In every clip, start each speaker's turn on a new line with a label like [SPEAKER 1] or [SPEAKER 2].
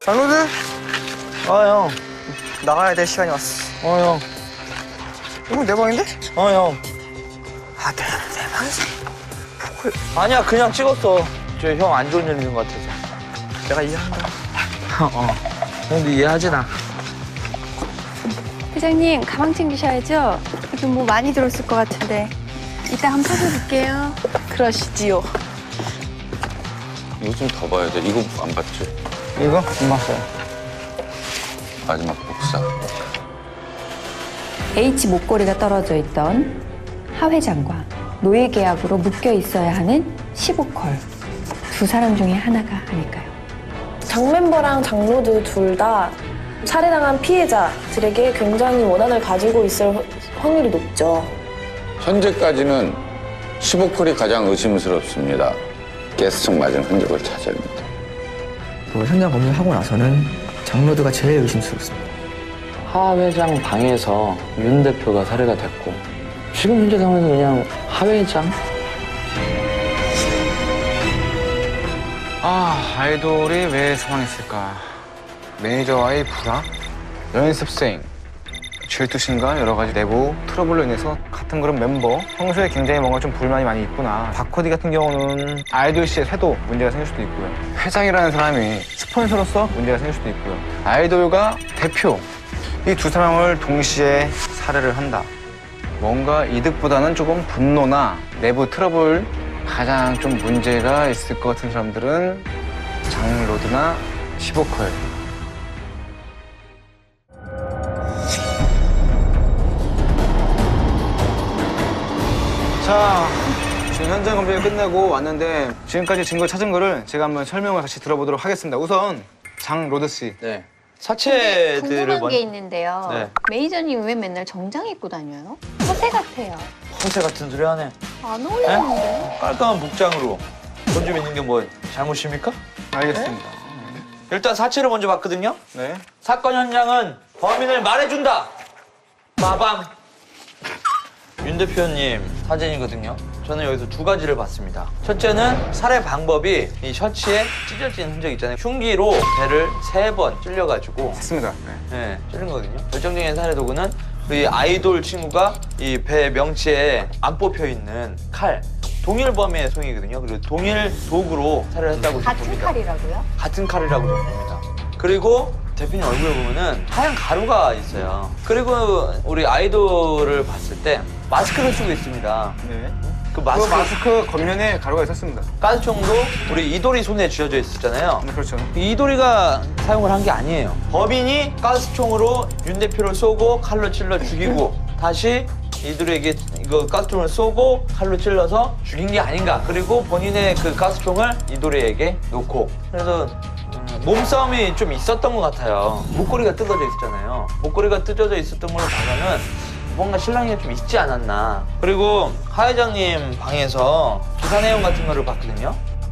[SPEAKER 1] 장로들? 형. 나가야 될 시간이 왔어.
[SPEAKER 2] 형.
[SPEAKER 1] 이거 내 방인데?
[SPEAKER 2] 형.
[SPEAKER 1] 아, 내 방이지.
[SPEAKER 2] 아니야, 그냥 찍었어. 저 형 안 좋은 일 있는 것 같아서.
[SPEAKER 1] 내가 이해한다.
[SPEAKER 2] 형도 이해하지, 나.
[SPEAKER 3] 회장님, 가방 챙기셔야죠? 여기 뭐 많이 들었을 것 같은데. 이따 한번 찾아볼게요.
[SPEAKER 4] 그러시지요.
[SPEAKER 5] 이거 좀 더 봐야 돼. 이거 안 봤지?
[SPEAKER 1] 이거? 안 봤어요.
[SPEAKER 5] 마지막 복사.
[SPEAKER 6] H 목걸이가 떨어져 있던 하 회장과 노예 계약으로 묶여 있어야 하는 15컬. 두 사람 중에 하나가 아닐까요?
[SPEAKER 4] 장 멤버랑 장로드 둘 다 살해당한 피해자들에게 굉장히 원한을 가지고 있을 확률이 높죠.
[SPEAKER 5] 현재까지는 15컬이 가장 의심스럽습니다. 가스총 맞은 흔적을 찾아냅니다.
[SPEAKER 1] 그 현장 검증하고 나서는 장로드가 제일 의심스럽습니다.
[SPEAKER 7] 하 회장 방에서 윤 대표가 살해가 됐고 지금 현재 상황에서 그냥 하 회장?
[SPEAKER 8] 아이돌이 왜 사망했을까? 매니저와의 불화, 연습생, 질투심과 여러 가지 내부 트러블로 인해서 같은 그룹 멤버 평소에 굉장히 뭔가 좀 불만이 많이 있구나. 박코디 같은 경우는 아이돌 씨의 태도 문제가 생길 수도 있고요. 회장이라는 사람이 스폰서로서 문제가 생길 수도 있고요. 아이돌과 대표 이 두 사람을 동시에 살해를 한다. 뭔가 이득보다는 조금 분노나 내부 트러블 가장 좀 문제가 있을 것 같은 사람들은 장로드나 15컬. 자, 지금 현장 검증이 끝내고 왔는데 지금까지 증거 찾은 거를 제가 한번 설명을 같이 들어보도록 하겠습니다. 우선 장로드 씨.
[SPEAKER 2] 네.
[SPEAKER 3] 근데
[SPEAKER 2] 사체들을
[SPEAKER 3] 궁금한 게 있는데요.
[SPEAKER 2] 네.
[SPEAKER 3] 매니저님 왜 맨날 정장 입고 다녀요? 허세 같아요.
[SPEAKER 2] 허세 같은 소리 하네.
[SPEAKER 3] 안 어울리는데.
[SPEAKER 2] 깔끔한 복장으로 돈 좀 있는 게 뭐 잘못입니까?
[SPEAKER 8] 알겠습니다.
[SPEAKER 2] 일단 사체를 먼저 봤거든요.
[SPEAKER 8] 네.
[SPEAKER 2] 사건 현장은 범인을 말해준다. 빠밤. 윤 대표님 사진이거든요. 저는 여기서 두 가지를 봤습니다. 첫째는 살해 방법이 이 셔츠에 찢어진 흔적 있잖아요. 흉기로 배를 3번 찔려가지고
[SPEAKER 8] 맞습니다. 네.
[SPEAKER 2] 네, 찔린 거거든요. 결정적인 살해 도구는 우리 아이돌 친구가 이 배 명치에 안 뽑혀 있는 칼. 동일 범의 손이거든요. 그리고 동일 도구로 살해를 했다고
[SPEAKER 3] 같은
[SPEAKER 2] 봅니다.
[SPEAKER 3] 칼이라고요?
[SPEAKER 2] 같은 칼이라고 봅니다. 그리고 대표님 얼굴에 보면은 하얀 가루가 있어요. 그리고 우리 아이돌을 봤을 때 마스크를 쓰고 있습니다.
[SPEAKER 8] 네.
[SPEAKER 2] 그
[SPEAKER 8] 그
[SPEAKER 2] 마스크
[SPEAKER 8] 마스크 겉면에 가루가 있었습니다.
[SPEAKER 2] 가스총도 우리 이돌이 손에 쥐어져 있었잖아요.
[SPEAKER 8] 네, 그렇죠.
[SPEAKER 2] 이돌이가 사용을 한 게 아니에요. 범인이 가스총으로 윤 대표를 쏘고 칼로 찔러 죽이고 다시 이돌이에게 이거 가스총을 쏘고 칼로 찔러서 죽인 게 아닌가. 그리고 본인의 그 가스총을 이돌이에게 놓고 그래서 몸싸움이 좀 있었던 것 같아요. 목걸이가 뜯어져 있었잖아요. 목걸이가 뜯어져 있었던 걸로 봐서는 뭔가 실랑이가 좀 있지 않았나. 그리고 하 회장님 방에서 기사 내용 같은 거를 봤거든요.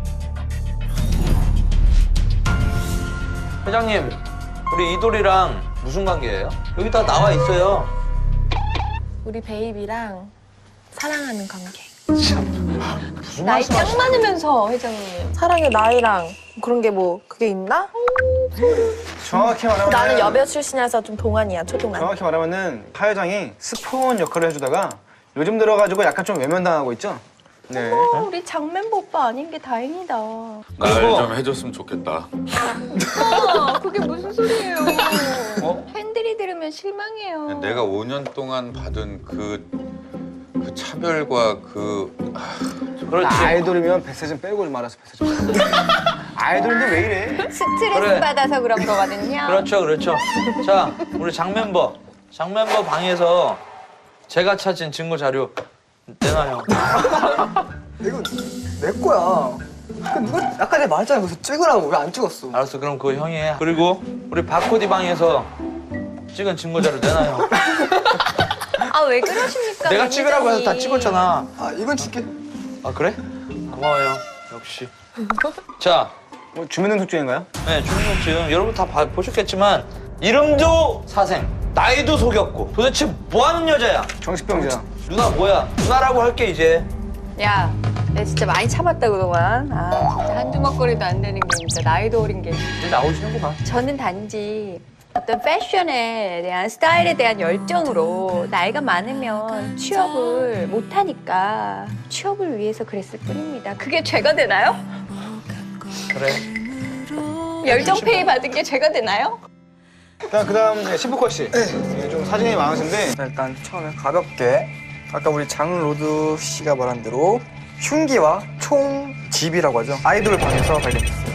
[SPEAKER 2] 회장님, 우리 이돌이랑 무슨 관계예요? 여기 다 나와 있어요.
[SPEAKER 4] 우리 베이비랑 사랑하는 관계.
[SPEAKER 2] 무슨
[SPEAKER 3] 나이
[SPEAKER 2] 말씀하시는
[SPEAKER 3] 딱 많으면서 회장님.
[SPEAKER 4] 사랑의 나이랑 그런 게 뭐 그게 있나?
[SPEAKER 8] 정확히 말하면
[SPEAKER 4] 나는 여배 출신이라서 좀 동안이야, 초동안.
[SPEAKER 8] 정확히 말하면은 하 회장이 스폰 역할을 해주다가 요즘 들어가지고 약간 좀 외면당하고 있죠. 네.
[SPEAKER 3] 우리 장 멤버 오빠 아닌 게 다행이다.
[SPEAKER 5] 날
[SPEAKER 2] 그리고-
[SPEAKER 5] 좀 해줬으면 좋겠다.
[SPEAKER 3] 그게 무슨 소리예요? 팬들이 들으면 실망해요.
[SPEAKER 5] 내가 5년 동안 받은 그 차별과
[SPEAKER 2] 그렇지.
[SPEAKER 8] 아이돌이면 뱃살 좀 빼고 말아서 뱃살 좀 빼고. 아이돌인데 왜 이래?
[SPEAKER 3] 스트레스
[SPEAKER 2] 그래.
[SPEAKER 3] 받아서 그런 거거든요.
[SPEAKER 2] 그렇죠, 그렇죠. 자, 우리 장 멤버 방에서 제가 찾은 증거 자료 내놔요.
[SPEAKER 1] 이거 내 거야. 누가 아까 내가 말했잖아. 그래서 찍으라고. 왜 안 찍었어?
[SPEAKER 2] 알았어, 그럼 그거 형이 해. 그리고 우리 박코디 방에서 찍은 증거 자료 내놔요.
[SPEAKER 3] 아, 왜 그러십니까?
[SPEAKER 2] 내가 찍으라고 해서 다
[SPEAKER 3] 매니저님.
[SPEAKER 2] 찍었잖아.
[SPEAKER 1] 아, 이건 찍게.
[SPEAKER 2] 아, 그래? 고마워요. 역시. 자,
[SPEAKER 8] 뭐 주민등록 중인가요?
[SPEAKER 2] 네, 주민등록증 여러분 다 보셨겠지만 이름도 사생, 나이도 속였고 도대체 뭐 하는 여자야?
[SPEAKER 8] 정신병자.
[SPEAKER 2] 누나 뭐야? 누나라고 할게 이제.
[SPEAKER 3] 야, 내 진짜 많이 참았다 그동안. 아 진짜 한두 먹거리도 안 되는 게 진짜 나이도 어린 게.
[SPEAKER 2] 이제 나오시는구만.
[SPEAKER 3] 저는 단지 어떤 패션에 대한 스타일에 대한 열정으로 나이가 많으면 취업을 못하니까 취업을 위해서 그랬을 뿐입니다. 그게 죄가 되나요?
[SPEAKER 2] 그래.
[SPEAKER 3] 열정 페이 받은 게 죄가 되나요?
[SPEAKER 8] 그다음 신부컷 씨. 네. 좀 사진이 많으신데
[SPEAKER 1] 일단 처음에 가볍게 아까 우리 장로드 씨가 말한 대로 흉기와 총집이라고 하죠. 아이돌 방에서 발견됐어요.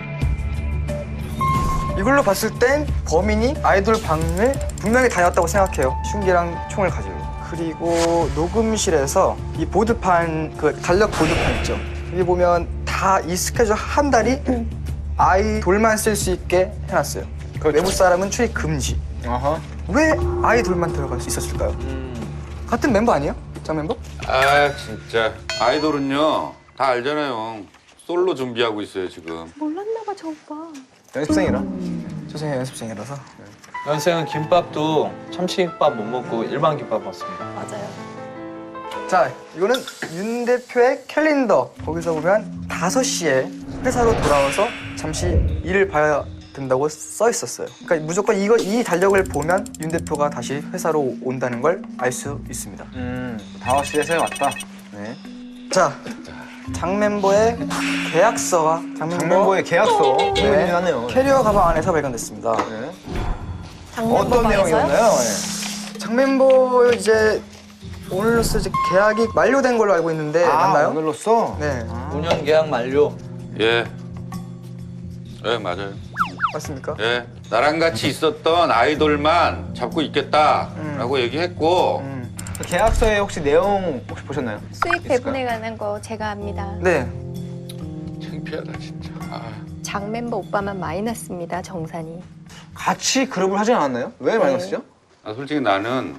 [SPEAKER 1] 이걸로 봤을 땐 범인이 아이돌 방을 분명히 다녔다고 생각해요. 흉기랑 총을 가지고. 그리고 녹음실에서 이 보드판, 그 달력 보드판 있죠. 여기 보면 다 이 스케줄 한 달이 아이돌만 쓸 수 있게 해놨어요. 외부 사람은 출입 금지.
[SPEAKER 8] 어허.
[SPEAKER 1] 왜 아이돌만 들어갈 수 있었을까요? 같은 멤버 아니에요? 장 멤버?
[SPEAKER 5] 아 진짜 아이돌은요 다 알잖아요. 솔로 준비하고 있어요 지금.
[SPEAKER 3] 몰랐나 봐 저 오빠.
[SPEAKER 8] 연습생이라.
[SPEAKER 1] 선생님 연습생이라서.
[SPEAKER 2] 연생은 김밥도 참치김밥 못 먹고 일반 김밥 먹습니다.
[SPEAKER 3] 맞아요.
[SPEAKER 1] 자, 이거는 윤 대표의 캘린더. 거기서 보면 5시에 회사로 돌아와서 잠시 일을 봐야 된다고 써 있었어요. 그러니까 무조건 이 달력을 보면 윤 대표가 다시 회사로 온다는 걸 알 수 있습니다.
[SPEAKER 8] 5시에 왔다. 네.
[SPEAKER 1] 자, 장 멤버의 계약서와
[SPEAKER 8] 장멤버의 계약서.
[SPEAKER 1] 네,
[SPEAKER 8] 하네요.
[SPEAKER 1] 캐리어 가방 안에서 발견됐습니다.
[SPEAKER 8] 네.
[SPEAKER 4] 장멤버
[SPEAKER 8] 어떤
[SPEAKER 4] 방에서요?
[SPEAKER 8] 내용이었나요? 네.
[SPEAKER 1] 장 멤버 이제 오늘로써 이제 계약이 만료된 걸로 알고 있는데 맞나요?
[SPEAKER 8] 오늘로써?
[SPEAKER 1] 네,
[SPEAKER 2] 5년 계약 만료.
[SPEAKER 5] 예. 예 맞아요.
[SPEAKER 1] 맞습니까?
[SPEAKER 5] 예. 나랑 같이 있었던 아이돌만 잡고 있겠다라고 얘기했고.
[SPEAKER 8] 그 계약서에 혹시 내용 혹시 보셨나요?
[SPEAKER 3] 수익 배분에 관한 거 제가 압니다.
[SPEAKER 1] 네.
[SPEAKER 5] 창피하다 진짜. 아.
[SPEAKER 3] 장 멤버 오빠만 마이너스입니다. 정산이.
[SPEAKER 8] 같이 그룹을 하지 않았나요? 왜 마이너스죠?
[SPEAKER 5] 아, 솔직히 나는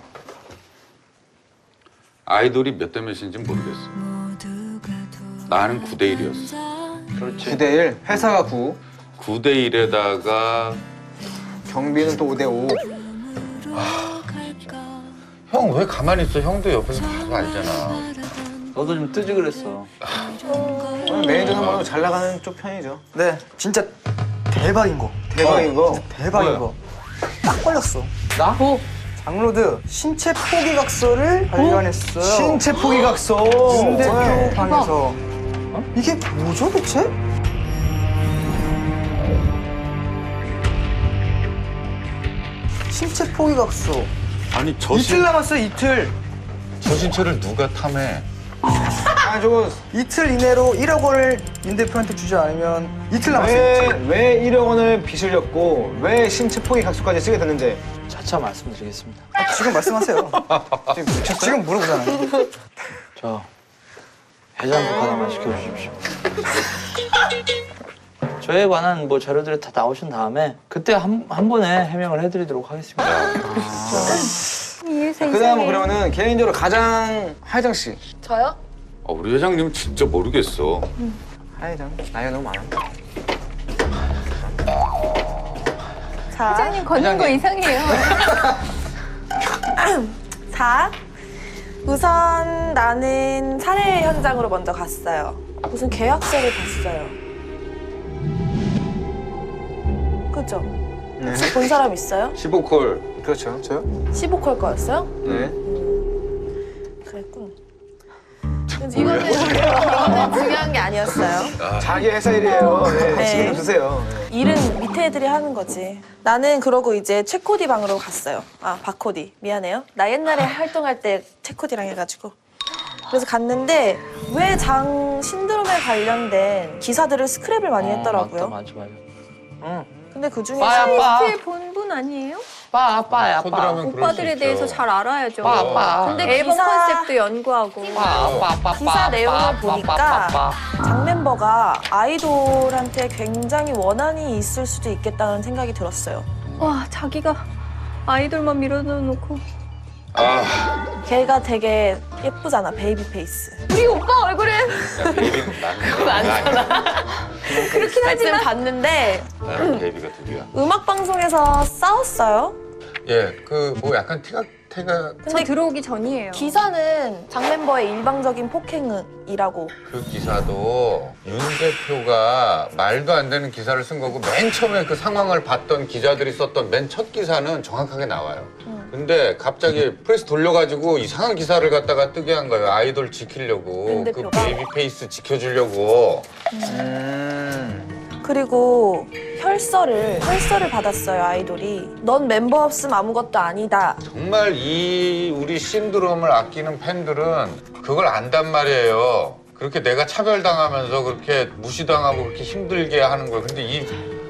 [SPEAKER 5] 아이돌이 몇 대 몇인지 모르겠어. 나는 9대 1이었어.
[SPEAKER 2] 그렇지.
[SPEAKER 8] 9대 1, 회사가 9,
[SPEAKER 5] 9대 1에다가
[SPEAKER 8] 경비는 또 5대 5.
[SPEAKER 5] 형 왜 가만히 있어? 형도 옆에서 봐도 알잖아.
[SPEAKER 2] 너도 좀 뜨지 그랬어.
[SPEAKER 8] 매니저 상관으로 잘 나가는 쪽 편이죠.
[SPEAKER 1] 네, 진짜 대박인 거.
[SPEAKER 8] 대박인 거.
[SPEAKER 1] 대박인
[SPEAKER 2] 뭐야?
[SPEAKER 1] 거. 딱 걸렸어.
[SPEAKER 2] 나?
[SPEAKER 1] 장로드 신체 포기각서를 발견했어요.
[SPEAKER 8] 신체 포기각서.
[SPEAKER 1] 윤 대표
[SPEAKER 8] 네.
[SPEAKER 1] 방에서. 이게 뭐죠 대체? 신체 포기각서.
[SPEAKER 5] 아니
[SPEAKER 1] 이틀 남았어요, 이틀.
[SPEAKER 5] 저 신체를 누가 탐해?
[SPEAKER 8] 아, 저거
[SPEAKER 1] 이틀 이내로 1억 원을 윤 대표한테 주지 않으면 이틀 남았어요.
[SPEAKER 8] 왜 1억 원을 빚을 졌고 왜 신체 포기각서까지 쓰게 됐는지
[SPEAKER 2] 차차 말씀드리겠습니다.
[SPEAKER 1] 지금 말씀하세요. 지금 물어보잖아요.
[SPEAKER 2] 저 해장국 하나만 시켜주십시오. 저에 관한 뭐 자료들이 다 나오신 다음에 그때 한 번에 해명을 해드리도록 하겠습니다.
[SPEAKER 3] 이해서
[SPEAKER 8] 그다음 그러면은 개인적으로 가장 하회장 씨.
[SPEAKER 4] 저요?
[SPEAKER 5] 우리 회장님 진짜 모르겠어.
[SPEAKER 8] 하회장 나이가 너무 많아.
[SPEAKER 4] 자,
[SPEAKER 3] 회장님 걷는 거 이상해요.
[SPEAKER 4] 자, 우선 나는 살해 현장으로 먼저 갔어요. 무슨 계약서를 봤어요. 그죠? 혹시 본 사람 있어요?
[SPEAKER 5] 15콜.
[SPEAKER 8] 그렇죠. 저요?
[SPEAKER 4] 15콜 거였어요?
[SPEAKER 8] 네.
[SPEAKER 4] 그랬군. 이거는 중요한 게 아니었어요.
[SPEAKER 8] 자기 회사 일이에요. 네.
[SPEAKER 4] 네.
[SPEAKER 8] 신경 주세요. 네.
[SPEAKER 4] 일은 밑에 애들이 하는 거지. 나는 그러고 이제 최코디 방으로 갔어요. 아, 박코디. 미안해요. 나 옛날에 활동할 때 최코디랑 해가지고. 그래서 갔는데 왜 장 신드롬에 관련된 기사들을 스크랩을 많이 했더라고요.
[SPEAKER 2] 맞아. 응.
[SPEAKER 4] 근데 그 중에
[SPEAKER 2] 빠야
[SPEAKER 3] 스위스의 본분 아니에요?
[SPEAKER 2] 빠야.
[SPEAKER 5] 코드라면 그럴 수
[SPEAKER 3] 오빠들에
[SPEAKER 5] 있죠.
[SPEAKER 3] 대해서 잘 알아야죠.
[SPEAKER 2] 빠.
[SPEAKER 3] 근데 앨범 컨셉도 연구하고.
[SPEAKER 4] 기사 내용을 보니까 장 멤버가 아이돌한테 굉장히 원한이 있을 수도 있겠다는 생각이 들었어요.
[SPEAKER 3] 와 자기가 아이돌만 밀어놓고
[SPEAKER 4] 걔가 되게 예쁘잖아, 베이비 페이스.
[SPEAKER 3] 우리 오빠 얼굴은
[SPEAKER 5] 그건 아니잖아.
[SPEAKER 3] 그렇긴
[SPEAKER 4] 하여튼
[SPEAKER 3] 하지만
[SPEAKER 4] 봤는데
[SPEAKER 5] 나랑 베이비가 둘이야.
[SPEAKER 4] 음악 방송에서 싸웠어요.
[SPEAKER 5] 예, 그 뭐 약간 태가
[SPEAKER 3] 저 들어오기 전이에요.
[SPEAKER 4] 기사는 장 멤버의 일방적인 폭행이라고.
[SPEAKER 5] 그 기사도 윤 대표가 말도 안 되는 기사를 쓴 거고 맨 처음에 그 상황을 봤던 기자들이 썼던 맨 첫 기사는 정확하게 나와요. 근데 갑자기 프레스 돌려가지고 이상한 기사를 갖다가 뜨게 한 거예요. 아이돌 지키려고.
[SPEAKER 4] 윤
[SPEAKER 5] 그
[SPEAKER 4] 대표가?
[SPEAKER 5] 베이비 페이스 지켜주려고.
[SPEAKER 4] 그리고 혈서를 받았어요, 아이돌이. 넌 멤버 없음 아무것도 아니다.
[SPEAKER 5] 정말 이 우리 신드롬을 아끼는 팬들은 그걸 안단 말이에요. 그렇게 내가 차별당하면서 그렇게 무시당하고 그렇게 힘들게 하는 걸. 근데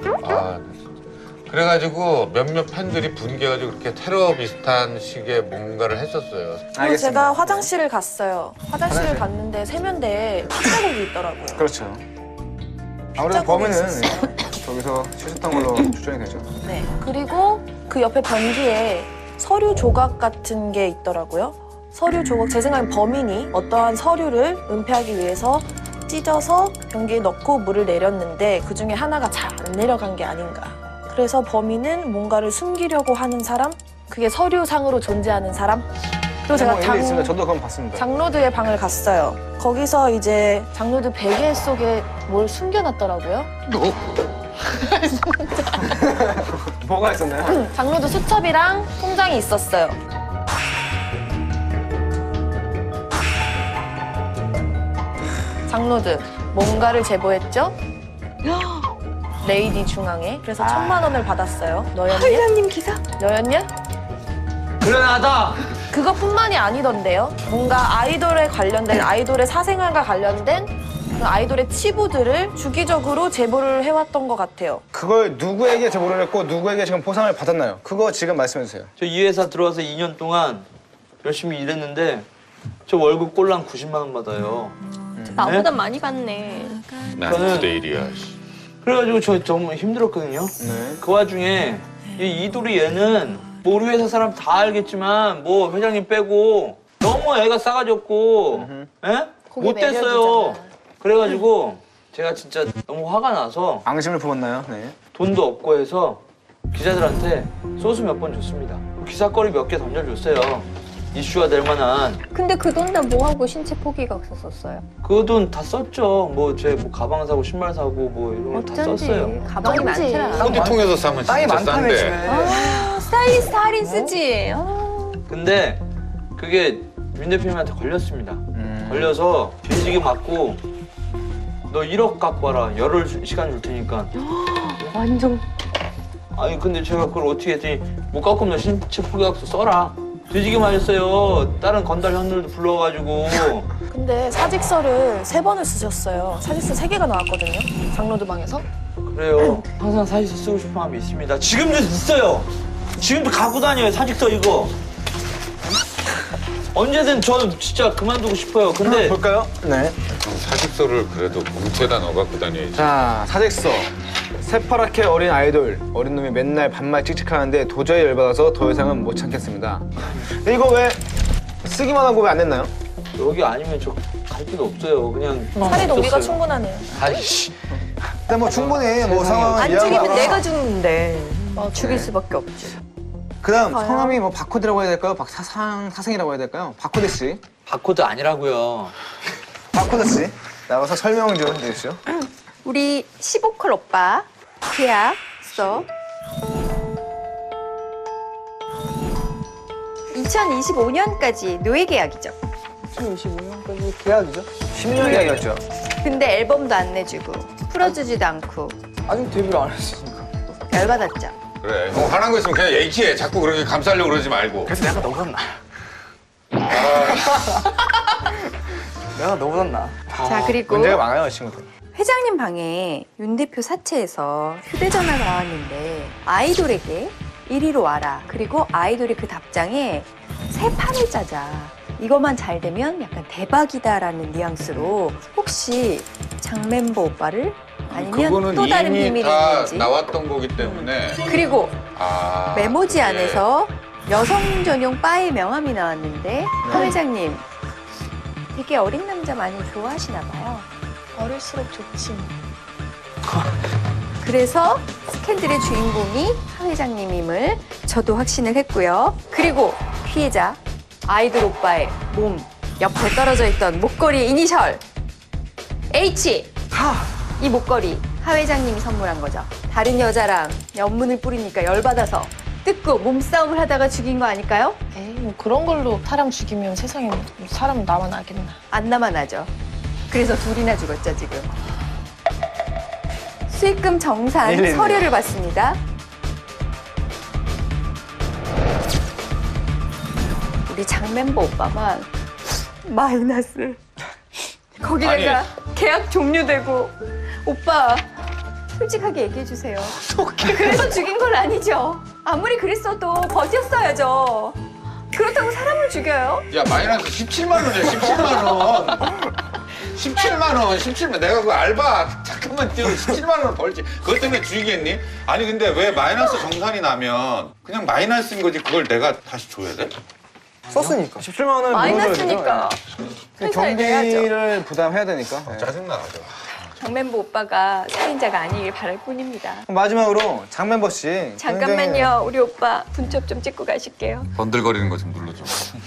[SPEAKER 5] 그래가지고 몇몇 팬들이 분개가지고 그렇게 테러 비슷한 식의 뭔가를 했었어요.
[SPEAKER 4] 그리고 제가 화장실을 갔어요. 화장실을 갔는데 세면대에 피자국이 있더라고요.
[SPEAKER 8] 그렇죠. 아무래도
[SPEAKER 4] 피자국이
[SPEAKER 8] 범인은
[SPEAKER 4] 있었어요.
[SPEAKER 8] 저기서 씻었던 걸로 추정이 되죠.
[SPEAKER 4] 네. 그리고 그 옆에 변기에 서류 조각 같은 게 있더라고요. 서류 조각, 제 생각엔 범인이 어떠한 서류를 은폐하기 위해서 찢어서 변기에 넣고 물을 내렸는데 그중에 하나가 잘 안 내려간 게 아닌가. 그래서 범인은 뭔가를 숨기려고 하는 사람? 그게 서류상으로 존재하는 사람? 그리고 제가
[SPEAKER 8] 일리 있습니다. 저도 그건 봤습니다.
[SPEAKER 4] 장로드의 방을 갔어요. 거기서 이제 장로드 베개 속에 뭘 숨겨놨더라고요.
[SPEAKER 8] 뭐가 있었나요?
[SPEAKER 4] 장로드 수첩이랑 통장이 있었어요. 장로드 뭔가를 제보했죠? 레이디 중앙에. 그래서 1,000만 원을 받았어요. 너였냐?
[SPEAKER 3] 회장님 기사?
[SPEAKER 4] 너였냐?
[SPEAKER 2] 그러나다.
[SPEAKER 4] 그것뿐만이 아니던데요. 뭔가 아이돌에 관련된, 아이돌의 사생활과 관련된 그 아이돌의 치부들을 주기적으로 제보를 해왔던 것 같아요.
[SPEAKER 8] 그걸 누구에게 제보를 했고 누구에게 지금 보상을 받았나요? 그거 지금 말씀해 주세요.
[SPEAKER 2] 저 이 회사 들어와서 2년 동안 열심히 일했는데 저 월급 꼴랑 90만 원 받아요.
[SPEAKER 3] 나보다 많이 받네.
[SPEAKER 5] 난
[SPEAKER 2] 저는-
[SPEAKER 5] 투데일이야.
[SPEAKER 2] 그래가지고 저 너무 힘들었거든요.
[SPEAKER 8] 네.
[SPEAKER 2] 그 와중에 이 이돌이 얘는 뭐 우리 회사 사람 다 알겠지만 뭐 회장님 빼고 너무 애가 싸가지없고 예?
[SPEAKER 4] 거기
[SPEAKER 2] 못됐어요.
[SPEAKER 4] 매력이잖아.
[SPEAKER 2] 그래가지고 제가 진짜 너무 화가 나서
[SPEAKER 8] 앙심을 품었나요? 네.
[SPEAKER 2] 돈도 없고 해서 기자들한테 소스 몇 번 줬습니다. 기사거리 몇 개 던져줬어요. 이슈가 될 만한.
[SPEAKER 3] 근데 그 돈 다 뭐하고 신체 포기가 없었어요?
[SPEAKER 2] 그 돈 다 썼죠. 뭐 제 뭐 가방 사고 신발 사고 뭐 이런 거 다
[SPEAKER 3] 어쩐지
[SPEAKER 2] 썼어요.
[SPEAKER 3] 가방이
[SPEAKER 4] 어쩐지.
[SPEAKER 3] 많더라.
[SPEAKER 5] 어디 통해서 사면
[SPEAKER 1] 땅이
[SPEAKER 5] 진짜
[SPEAKER 1] 많다며
[SPEAKER 5] 싼데.
[SPEAKER 1] 집에.
[SPEAKER 3] 스타일리스트 할인 쓰지.
[SPEAKER 2] 근데 그게 윤 대표님한테 걸렸습니다. 걸려서 뒤지게 맞고 너 1억 갖고 와라. 열흘 시간 줄 테니까.
[SPEAKER 3] 완전
[SPEAKER 2] 아니 근데 제가 그걸 어떻게 했더니 못 갖고 오면 너 신체 포기학서 써라. 뒤지게 맞았어요. 다른 건달 현들도 불러가지고.
[SPEAKER 4] 근데 사직서를 3번을 쓰셨어요. 사직서 3개가 나왔거든요. 장로드 방에서.
[SPEAKER 2] 그래요. 항상 사직서 쓰고 싶은 마음이 있습니다. 지금도 있어요. 지금도 갖고 다녀요. 사직서 이거. 언제든 저 진짜 그만두고 싶어요. 근데
[SPEAKER 8] 볼까요? 네.
[SPEAKER 5] 사직서를 그래도 봉투에다 넣어 갖고 다녀야지.
[SPEAKER 8] 자, 사직서. 새파랗게 어린 아이돌. 어린 놈이 맨날 반말 찍찍하는데 도저히 열받아서 더 이상은 못 참겠습니다. 근데 이거 왜 쓰기만 하고 왜 안 냈나요?
[SPEAKER 2] 여기 아니면 저 갈 필요 없어요. 그냥
[SPEAKER 4] 살인 동기가
[SPEAKER 2] 없었어요.
[SPEAKER 4] 충분하네요.
[SPEAKER 2] 아이씨.
[SPEAKER 1] 일단 뭐 충분히 뭐 상황을
[SPEAKER 3] 안 죽이면
[SPEAKER 1] 이해하고
[SPEAKER 3] 내가 죽는데 죽일 수밖에 없지.
[SPEAKER 8] 그다음 성함이 뭐 바코드라고 해야 될까요? 사생이라고 해야 될까요? 바코드 씨.
[SPEAKER 2] 바코드 아니라고요.
[SPEAKER 8] 바코드 씨. 나와서 설명 좀 해주시죠.
[SPEAKER 3] 우리 15컬 오빠 계약서 2025년까지 노예 계약이죠.
[SPEAKER 1] 2025년까지 계약이죠.
[SPEAKER 8] 10년 이야기였죠.
[SPEAKER 3] 근데 앨범도 안 내주고 풀어주지도 않고
[SPEAKER 1] 아직 데뷔를 안 했으니까.
[SPEAKER 3] 열받았죠.
[SPEAKER 5] 그래. 형 화난 거 있으면 그냥 얘기해. 자꾸 그렇게 감싸려고 그러지 말고.
[SPEAKER 8] 그래서 내가 너보다
[SPEAKER 1] 내가 너보다 나.
[SPEAKER 3] 자 그리고
[SPEAKER 8] 문제가 많아요, 친구들.
[SPEAKER 3] 회장님 방에 윤 대표 사채에서 휴대전화가 나왔는데 아이돌에게 이리로 와라. 그리고 아이돌이 그 답장에 새 판을 짜자. 이것만 잘 되면 약간 대박이다라는 뉘앙스로 혹시 장 멤버 오빠를 아니면
[SPEAKER 5] 그거는
[SPEAKER 3] 또 다른
[SPEAKER 5] 이미
[SPEAKER 3] 비밀이
[SPEAKER 5] 다
[SPEAKER 3] 있는지.
[SPEAKER 5] 나왔던 거기 때문에.
[SPEAKER 3] 그리고 메모지
[SPEAKER 5] 예.
[SPEAKER 3] 안에서 여성 전용 바의 명함이 나왔는데 하 회장님 되게 어린 남자 많이 좋아하시나 봐요.
[SPEAKER 4] 어릴수록 좋지.
[SPEAKER 3] 그래서 스캔들의 주인공이 하 회장님임을 저도 확신을 했고요. 그리고 피해자 아이돌 오빠의 몸 옆에 떨어져 있던 목걸이 이니셜 H. 이 목걸이 하 회장님이 선물한 거죠. 다른 여자랑 연문을 뿌리니까 열받아서 뜯고 몸싸움을 하다가 죽인 거 아닐까요?
[SPEAKER 4] 에이, 뭐 그런 걸로 사람 죽이면 세상에 뭐 사람 나만 나겠나.
[SPEAKER 3] 안 남아나죠. 그래서 둘이나 죽었죠, 지금. 수익금 정산
[SPEAKER 1] 일일이요.
[SPEAKER 3] 서류를 받습니다. 우리 장 멤버 오빠만 마이너스. 거기다가 계약 종료되고. 오빠, 솔직하게 얘기해주세요. 그래서 죽인 건 아니죠. 아무리 그랬어도 버텼어야죠. 그렇다고 사람을 죽여요?
[SPEAKER 5] 야 마이너스 17만 원이야 17만 원. 17만 원, 17만. 내가 그 알바 잠깐만 뛰어 17만 원 벌지. 그것 때문에 죽이겠니? 아니 근데 왜 마이너스 정산이 나면 그냥 마이너스인 거지 그걸 내가 다시 줘야 돼?
[SPEAKER 1] 썼으니까.
[SPEAKER 8] 17만 원을
[SPEAKER 3] 마이너스니까. 회사에 내야죠.
[SPEAKER 8] 경비를 부담해야 되니까.
[SPEAKER 5] 짜증나가지고.
[SPEAKER 3] 장 멤버 오빠가 살인자가 아니길 바랄 뿐입니다.
[SPEAKER 8] 마지막으로 장 멤버 씨.
[SPEAKER 3] 잠깐만요, 우리 오빠 분첩 좀 찍고 가실게요.
[SPEAKER 5] 번들거리는 거 좀 눌러줘.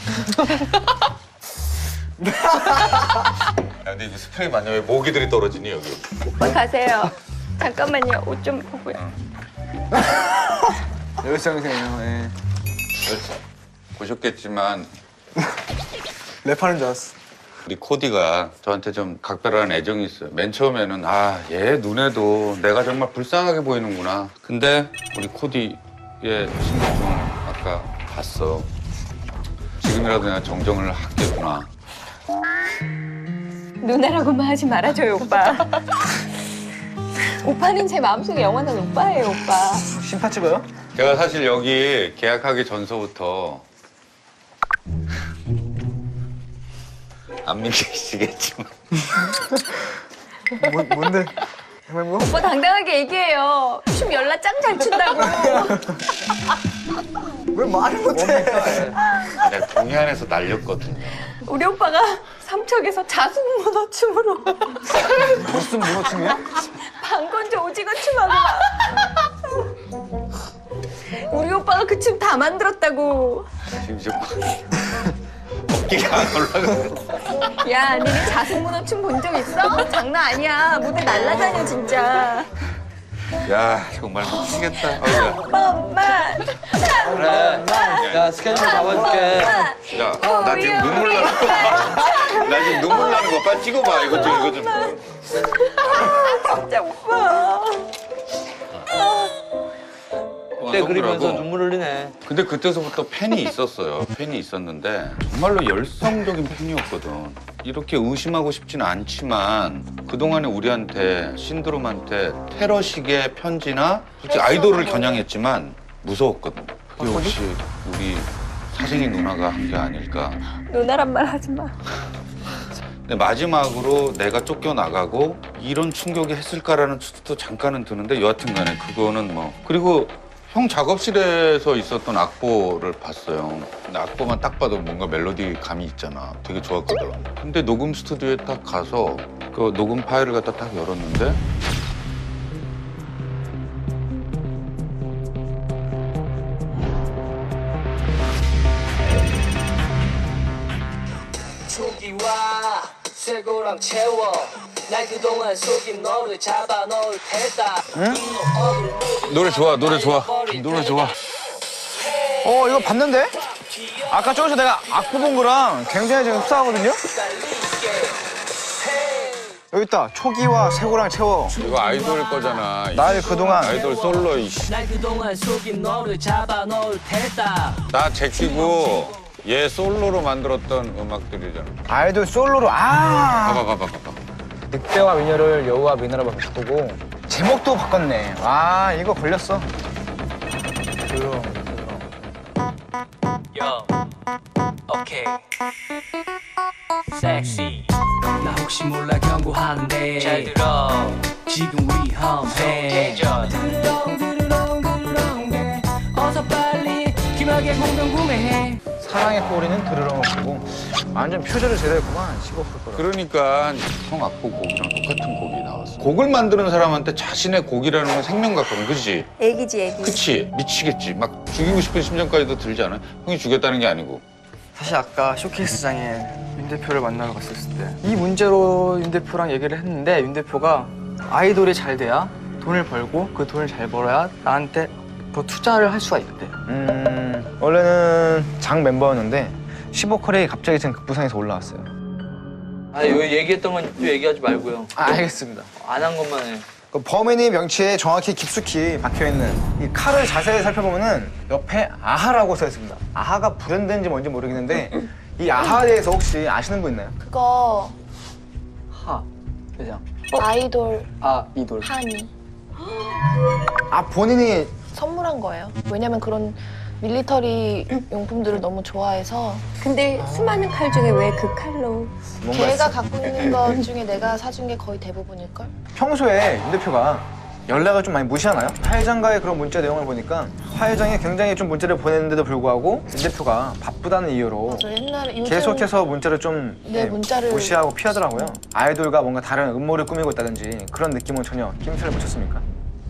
[SPEAKER 5] 야, 근데 이거 스프레이 맞냐? 왜 모기들이 떨어지니 여기?
[SPEAKER 3] 오빠 가세요. 잠깐만요, 옷 좀 보고요.
[SPEAKER 8] 열성이세요. 예.
[SPEAKER 5] 그렇죠. 보셨겠지만
[SPEAKER 1] 랩하는 줄 알았어.
[SPEAKER 5] 우리 코디가 저한테 좀 각별한 애정이 있어요. 맨 처음에는 얘 눈에도 내가 정말 불쌍하게 보이는구나. 근데 우리 코디의 신분증을 아까 봤어. 지금이라도 내가 정정을 하겠구나.
[SPEAKER 3] 누나라고만 하지 말아줘요, 오빠. 오빠는 제 마음속에 영원한 오빠예요, 오빠.
[SPEAKER 8] 심파 찍어요?
[SPEAKER 5] 제가 사실 여기 계약하기 전서부터 안 믿기시겠지만
[SPEAKER 1] 뭔데? 뭐?
[SPEAKER 3] 오빠 당당하게 얘기해요. 춤 열나 짱 잘 춘다고.
[SPEAKER 1] 왜 말을 못해?
[SPEAKER 5] 내가 동해안에서 날렸거든요.
[SPEAKER 3] 우리 오빠가 삼척에서 자숙문어 춤으로
[SPEAKER 8] 무슨 문어춤이야?
[SPEAKER 3] 방건조 오징어 춤하고 막. 우리 오빠가 그 춤 다 만들었다고.
[SPEAKER 5] 지금 좀 어깨가 안 올라가.
[SPEAKER 3] 야, 니네 자숙문어 춤 본 적 있어? 장난 아니야. 무대 날라다녀, 진짜.
[SPEAKER 5] 야 정말 미치겠다. 어우야.
[SPEAKER 3] 엄마.
[SPEAKER 2] 그래. 야, 스케줄 잡아줄게.
[SPEAKER 5] 야, 나 지금 눈물 나는 거 봐. 나 지금 눈물 나는 거 빨리 찍어봐. 이거 좀.
[SPEAKER 3] 진짜 오빠.
[SPEAKER 2] 그때 그리면서 눈물 흘리네.
[SPEAKER 5] 근데 그때서부터 팬이 있었어요. 팬이 있었는데 정말로 열성적인 팬이었거든. 이렇게 의심하고 싶지는 않지만 그동안에 우리한테 신드롬한테 테러식의 편지나 솔직히 아이돌을 겨냥했지만 무서웠거든. 그게 혹시 우리 사생이 누나가 한 게 아닐까.
[SPEAKER 3] 누나란 말 하지 마.
[SPEAKER 5] 근데 마지막으로 내가 쫓겨나가고 이런 충격이 했을까라는 추측도 잠깐은 드는데 여하튼 간에 그거는 뭐. 그리고 형 작업실에서 있었던 악보를 봤어요. 근데 악보만 딱 봐도 뭔가 멜로디 감이 있잖아. 되게 좋았거든. 근데 녹음 스튜디오에 딱 가서 그 녹음 파일을 갖다 딱 열었는데
[SPEAKER 9] 초기와 쇠고랑 채워 날 그동안 속인 너를 잡아 넣을 테다.
[SPEAKER 5] 노래 좋아, 노래 좋아. 노래 좋아.
[SPEAKER 8] 이거 봤는데? 아까 저기서 내가 악보 본 거랑 굉장히 지금 흡사하거든요? 여기 있다. 초기와 쇠고랑 채워.
[SPEAKER 5] 이거 아이돌 거잖아.
[SPEAKER 8] 날 그동안
[SPEAKER 5] 아이돌 솔로 이씨.
[SPEAKER 9] 날 그동안 속인 너를 잡아 넣을 테다.
[SPEAKER 5] 나 제끼고 얘 솔로로 만들었던 음악들이잖아.
[SPEAKER 8] 아이돌 솔로로
[SPEAKER 5] 봐봐.
[SPEAKER 8] 늑대와 미녀를 여우와 미나라로 바꾸고 제목도 바꿨네. 이거 걸렸어.
[SPEAKER 9] Yo, okay. Sexy. 나 혹시 몰라 경고하는데 잘 들어. 지금 위험해. 드르렁 어서 빨리 귀마개 공동 구매해.
[SPEAKER 8] 사랑의 꼬리는 드르렁을 보고 완전 표절을 제대로 했구만. 씹었을 거라.
[SPEAKER 5] 그러니까 형 악보 곡이랑 똑같은 곡이 나왔어. 곡을 만드는 사람한테 자신의 곡이라는 건 생명 같거든, 그치?
[SPEAKER 3] 애기지, 애기.
[SPEAKER 5] 그치? 미치겠지. 막 죽이고 싶은 심정까지도 들지 않아? 형이 죽였다는 게 아니고.
[SPEAKER 1] 사실 아까 쇼케이스장에 윤 대표를 만나러 갔었을 때 이 문제로 윤 대표랑 얘기를 했는데 윤 대표가 아이돌이 잘 돼야 돈을 벌고 그 돈을 잘 벌어야 나한테 더 투자를 할 수가 있대.
[SPEAKER 8] 원래는 장 멤버였는데 15컬이 갑자기 지금 급부상해서 올라왔어요.
[SPEAKER 2] 아, 이거 얘기했던 건 또 얘기하지 말고요.
[SPEAKER 8] 알겠습니다.
[SPEAKER 2] 안 한 것만 해.
[SPEAKER 8] 그 범인이 명치에 정확히 깊숙이 박혀있는 이 칼을 자세히 살펴보면은 옆에 아하라고 써 있습니다. 아하가 불현대인지 뭔지 모르겠는데 이 아하에 대해서 혹시 아시는 분 있나요?
[SPEAKER 4] 그거
[SPEAKER 1] 하 회장.
[SPEAKER 4] 아이돌
[SPEAKER 1] 아 이돌.
[SPEAKER 4] 한이
[SPEAKER 8] 아 본인이
[SPEAKER 4] 선물한 거예요. 왜냐면 그런 밀리터리 용품들을 너무 좋아해서
[SPEAKER 3] 근데 수많은 칼 중에 왜 그 칼로?
[SPEAKER 8] 뭔가
[SPEAKER 4] 걔가 갖고 있는 것 중에 내가 사준 게 거의 대부분일걸?
[SPEAKER 8] 평소에 윤 대표가 연락을 좀 많이 무시하나요? 화회장과의 그런 문자 내용을 보니까 화회장에 굉장히 좀 문자를 보냈는데도 불구하고 윤 대표가 바쁘다는 이유로
[SPEAKER 4] 맞아, 옛날에 요즘
[SPEAKER 8] 계속해서 문자를 좀
[SPEAKER 4] 네, 문자를
[SPEAKER 8] 무시하고 피하더라고요. 아이돌과 뭔가 다른 음모를 꾸미고 있다든지 그런 느낌은 전혀 낌새를 못 쳤습니까?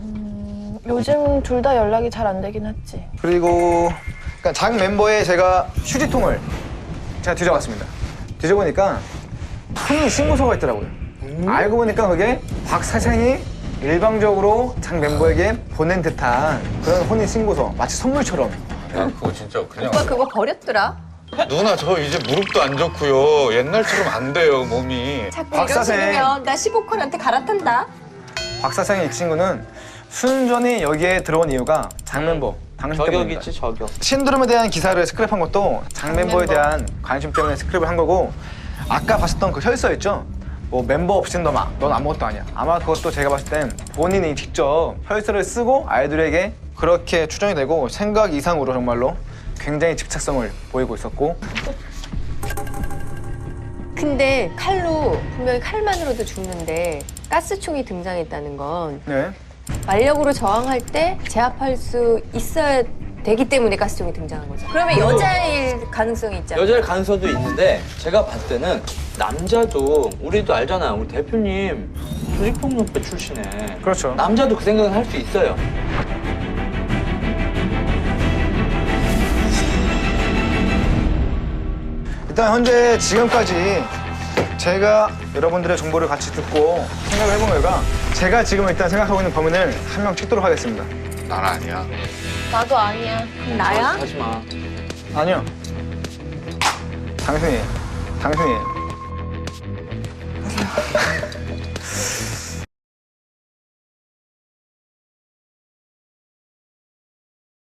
[SPEAKER 4] 요즘 둘 다 연락이 잘 안 되긴 했지.
[SPEAKER 8] 그리고 그러니까 장 멤버의 제가 휴지통을 제가 뒤져봤습니다. 뒤져보니까 혼인 신고서가 있더라고요. 알고 보니까 그게 박 사장이 일방적으로 장 멤버에게 보낸 듯한 그런 혼인 신고서, 마치 선물처럼.
[SPEAKER 5] 야, 그거 진짜 그냥.
[SPEAKER 3] 오빠 그거 버렸더라.
[SPEAKER 5] 누나, 저 이제 무릎도 안 좋고요. 옛날처럼 안 돼요, 몸이.
[SPEAKER 3] 자꾸
[SPEAKER 8] 박사생.
[SPEAKER 3] 이러시면 나 15컬한테 갈아탄다.
[SPEAKER 8] 박 사장의 이 친구는 순전히 여기에 들어온 이유가 장 멤버 당신
[SPEAKER 2] 저격
[SPEAKER 8] 때문입니다.
[SPEAKER 2] 있지, 저격.
[SPEAKER 8] 신드롬에 대한 기사를 스크랩한 것도 장 멤버에 대한 관심 때문에 스크랩을 한 거고, 아까 봤었던 그 혈서 있죠? 뭐 멤버 없인 넌 아무것도 아니야. 아마 그것도 제가 봤을 땐 본인이 직접 혈서를 쓰고 아이들에게 그렇게 추정이 되고, 생각 이상으로 정말로 굉장히 집착성을 보이고 있었고.
[SPEAKER 3] 근데 칼로 분명히 칼만으로도 죽는데 가스총이 등장했다는 건
[SPEAKER 8] 네.
[SPEAKER 3] 만력으로 저항할 때 제압할 수 있어야 되기 때문에 가스총이 등장한 거죠. 그러면 여자일 가능성이 있잖아요.
[SPEAKER 2] 여자일 가능성도 있는데 제가 봤을 때는 남자도 우리도 알잖아요. 우리 대표님 조직폭력배 출신에.
[SPEAKER 8] 그렇죠.
[SPEAKER 2] 남자도 그 생각을 할 수 있어요.
[SPEAKER 8] 일단 현재 지금까지 제가 여러분들의 정보를 같이 듣고 생각을 해본 결과, 제가 지금 일단 생각하고 있는 범인을 한 명 찍도록 하겠습니다.
[SPEAKER 5] 난 아니야.
[SPEAKER 4] 나도 아니야.
[SPEAKER 3] 나야?
[SPEAKER 2] 하지 마.
[SPEAKER 8] 아니요. 당신이에요.